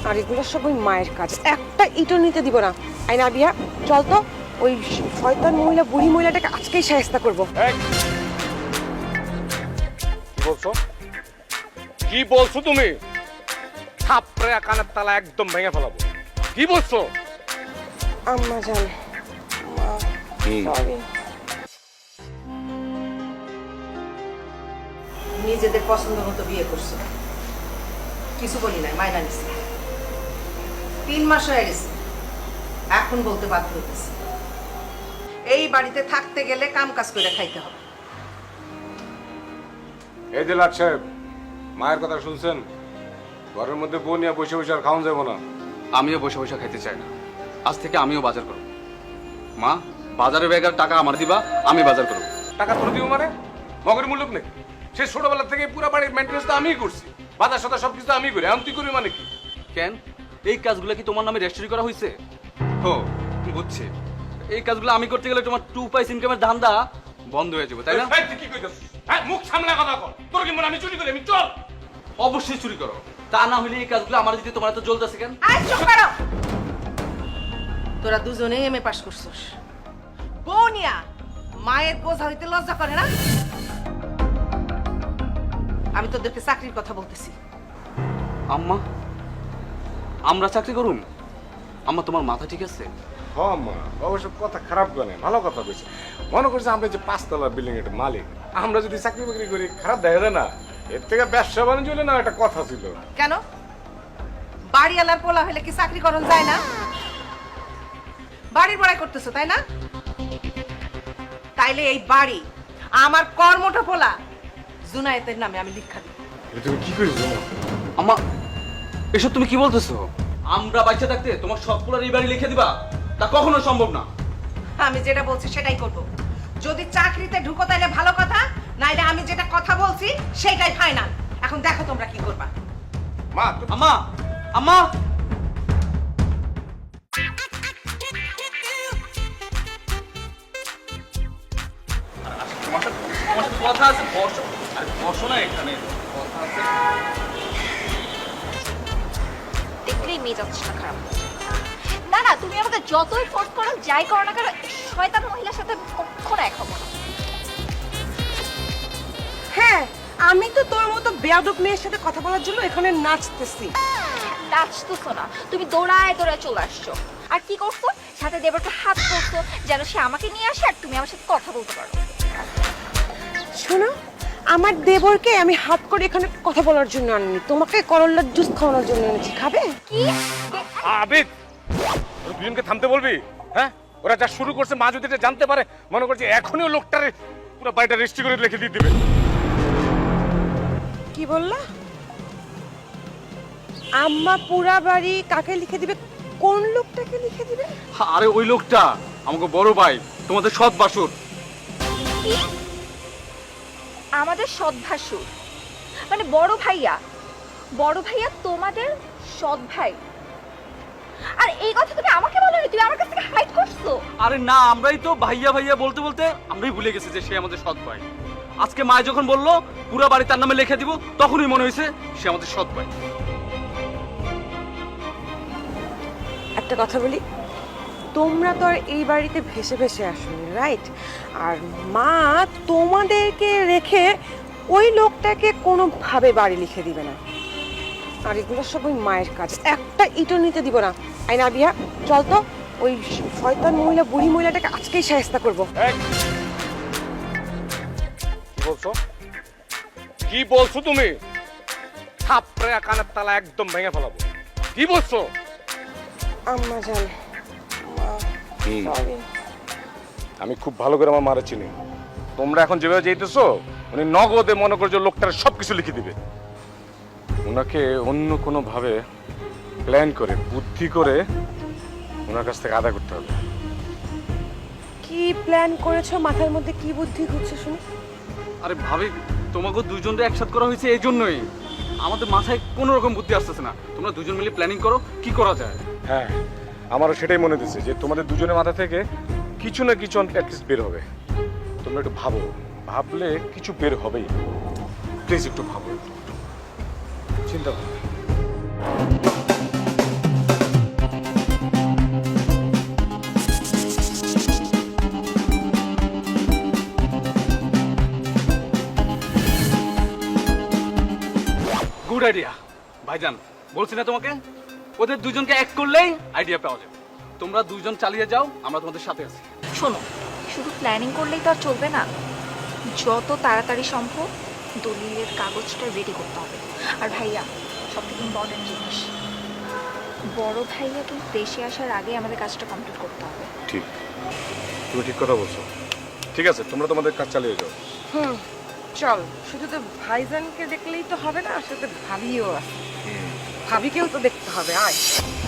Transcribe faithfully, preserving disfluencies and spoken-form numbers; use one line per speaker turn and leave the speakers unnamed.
আর এগুলো সব ওই মায়ের কাজ, একটা ইটও নিতে দিব না। আই না বিয়া, চল তো ওই শয়তান মহিলা, বুড়ি মহিলাটাকে আজকেই শায়েস্তা করবো।
কি বলছো কি বলছো তুমি? থাপড়ে কানের তালা একদম ভেঙে ফেলাবো। কি বলছো?
আম্মা জান, মা সরি।
নিজেদের পছন্দ মতো বিয়ে করছো, কিছু বলি নাই, মাইনা নিছি। তিন মাস হয়ে গেছে, এখন বলতে বাধ্য হতেছে এই বাড়িতে থাকতে গেলে কাম কাজ করে খাইতে হবে।
এই যে লাট সাহেব, মায়ের কথা শুনছেন? ঘরের মধ্যে বউ নিয়ে বসে বসে আর খাওয়া যাবো না।
আমিও বসে বসে খাইতে চাই না, আজ থেকে আমিও বাজার করব। মা, বাজারে ব্যাগের টাকা আমার দিবা, আমি বাজার করব।
টাকা তোর দিব মানে? মগের মূল্য নেই। সে ছোটবেলা থেকে পুরো বাড়ির মেনটেন্স তো আমিই করছি, বাজার সাথে সবকিছু আমি করি। এখন তুই করবি মানে কি?
কেন, এই কাজগুলো কি তোমার নামে রেজিস্ট্রি করা হয়েছে? ও বুঝছি, এই কাজগুলো আমি করতে গেলে তোমার টু পাইস ইনকামের ধান্দা বন্ধ হয়ে যাবে, তাই না?
এই, তুই কি কইতাছিস? হ্যাঁ, মুখ সামলা কথা কর। তোর কি মনে আমি চুরি করি? আমি চল।
অবশ্যই চুরি করো, তা না হলে এই কাজগুলো আমার যদি তোমার এত জ্বলতেছে কেন?
আয় চুপ করো। তোরা দুজনেই এমএ পাস করছস, বউ নিয়া মায়ের বোঝা হইতে লজ্জা করে না? আমি তোদেরকে চাকরির কথা বলতেছি।
আম্মা, আমরা চাকরি করুন? আম্মা, তোমার মাথা ঠিক আছে?
হ্যাঁ মা, অবশ্য কথা খারাপ করে নাই, ভালো কথা কইছে। মনে করছে আমরা যে পাঁচতলা বিল্ডিং এর মালিক, আমরা যদি চাকরি বাকরি করি খারাপ দেখা যায় না? এর থেকে ব্যবসা বাণিজ্য হলে না একটা কথা ছিল।
কেন, বাড়িওয়ালার পোলা হলে কি চাকরি করন যায় না? বাড়ির বড়াই করতেছো তাই না? তাইলে এই বাড়ি আমার কর্মটা পোলা জুনায়েতের নামে আমি লিখা দিই।
এটা তুমি কি করিস?
আম্মা, এসব তুমি কি বলতেছো? আমরা বাচ্চা থাকতে তোমার সবগুলোর এই বাড়ি লিখে দিবা, তা কখনো সম্ভব না।
আমি যেটা বলছি সেটাই করব। যদি চাকরিতে ঢুকো তাইলে ভালো কথা, নাইলে আমি যেটা কথা বলছি সেটাই ফাইনাল। এখন দেখো তোমরা কি করবা।
মা,
আম্মা, আম্মা, কথা আছে, বসো। আরে বসো না, এখানে কথা আছে।
দেখলেই মেজাজটা খারাপ। না না, তুমি আমাকে যতই ফোর্স করো, যাই করো না কেন, শয়তান মহিলার সাথে কখনো এক হবো না।
হ্যাঁ, আমি তো তোর মতো বেয়াদব মেয়ের সাথে কথা বলার জন্য এখানে নাচতেছি।
নাচতেছো না, তুমি দৌড়ায় দৌড়ায় চলে আসছো। আর কি করছো? সাথে দেবরকে হাত করছো যেন সে আমাকে নিয়ে আসে আর তুমি আমার সাথে কথা বলতে পারো।
শোনো, আমার দেবরকে আমি হাত করে এখানে কথা বলার জন্য আনিনি, তোমাকে করল্লার জুস খাওয়ানোর জন্য এনেছি। খাবে?
কি?
আবিদ, ওরা দুজনকে থামতে বলবি? হ্যাঁ, ওরা যা শুরু করছে, মা যদি এটা জানতে পারে, মনে করছে এখনই লোকটারে পুরো বাড়িটা রেজিস্ট্রি করে লিখে দিয়ে দিবে।
কি বললা? আম্মা পুরা বাড়ি কাকে লিখে দিবে? কোন লোকটাকে লিখে দিবে?
আরে ওই লোকটা আমাকে বড় ভাই, তোমাদের সৎ বাসুর।
কি? আমাদের সৎ ভাসুর মানে বড় ভাইয়া? বড় ভাইয়া তোমাদের সৎ ভাই? আর এই কথা তুমি আমাকে বলোনি, তুমি আমার কাছ থেকে হাইড করছো।
আরে না, আমরাই তো ভাইয়া ভাইয়া বলতে বলতে আমরাই ভুলে গেছি যে সে আমাদের সৎ ভাই। আজকে মা যখন বললো পুরো বাড়ি তার নামে লিখে দিব, তখনই মনে হয়েছে সে আমাদের সৎ ভাই।
একটা কথা বলি, তোমরা তো আর এই বাড়িতে ভেসে ভেসে আসোনি, রাইট? আর মা তোমাদেরকে রেখে ওই লোকটাকে কোনোভাবে বাড়ি লিখে দিবে না। আর এগুলো সব ওই মায়ের কাজ, একটা ইটও নিতে দিব না। আই না বিয়া, চল তো ওই শয়তান মহিলা, বুড়ি মহিলাটাকে আজকেই শায়েস্তা করবো।
এই, কি বলছো? কি বলছো তুমি? থাপড়ে কানের তালা একদম ভেঙে ফেলাবো। কি বলছো?
আম্মা জান, মা সরি।
আমি খুব ভালো করে আমার মারা চিনি। তোমরা এখন যেভাবে যেতেছো, উনি নগদে মনে করছো লোকটার সবকিছু লিখে দিবে। ওনাকে অন্য কোনো ভাবে প্ল্যান করে, বুদ্ধি করে ওনার কাছ থেকে আদায় করতে হবে।
কি প্ল্যান করেছো? মাথার মধ্যে কি বুদ্ধি ঘুরছে শুনি?
আরে ভাবি, তোমাকে দুজনকে একসাথে করা হয়েছে এই জন্যই। আমাদের মাথায় কোনো রকম বুদ্ধি আসতেছে না। তোমরা দুজন মিলে প্ল্যানিং করো কি করা যায়।
হ্যাঁ, আমারও সেটাই মনে দিচ্ছে যে তোমাদের দুজনের মাথা থেকে কিছু না কিছু অ্যাটলিস্ট বের হবে। তোমরা একটু ভাবো, ভাবলে কিছু বের হবেই। প্লিজ একটু ভাবো, চিন্তা করো।
গুড আইডিয়া ভাইজান, বলছি না তোমাকে ওদের দুজনকে এক করলেই আইডিয়া পাওয়া যাবে। তোমরা দুজন চালিয়ে যাও, আমরা তোমাদের সাথে আছি।
শোনো, শুধু প্ল্যানিং করলেই তো আর চলবে না, যত তাড়াতাড়ি সম্ভব দলিলের কাগজটা রেডি করতে হবে। আর ভাইয়া, সবথেকে ইম্পর্টেন্ট জিনিস, বড় ভাইয়া কিন্তু দেশে আসার আগে আমাদের কাজটা কমপ্লিট করতে হবে।
ঠিক, তুমি ঠিক কথা বলছো। ঠিক আছে, তোমরা তোমাদের কাজ চালিয়ে যাও।
হুম, চল। শুধু তো ভাইজানকে দেখলেই তো হবে না, সাথে ভাবিও আছে, ভাবিকেও তো দেখতে হবে। আয়।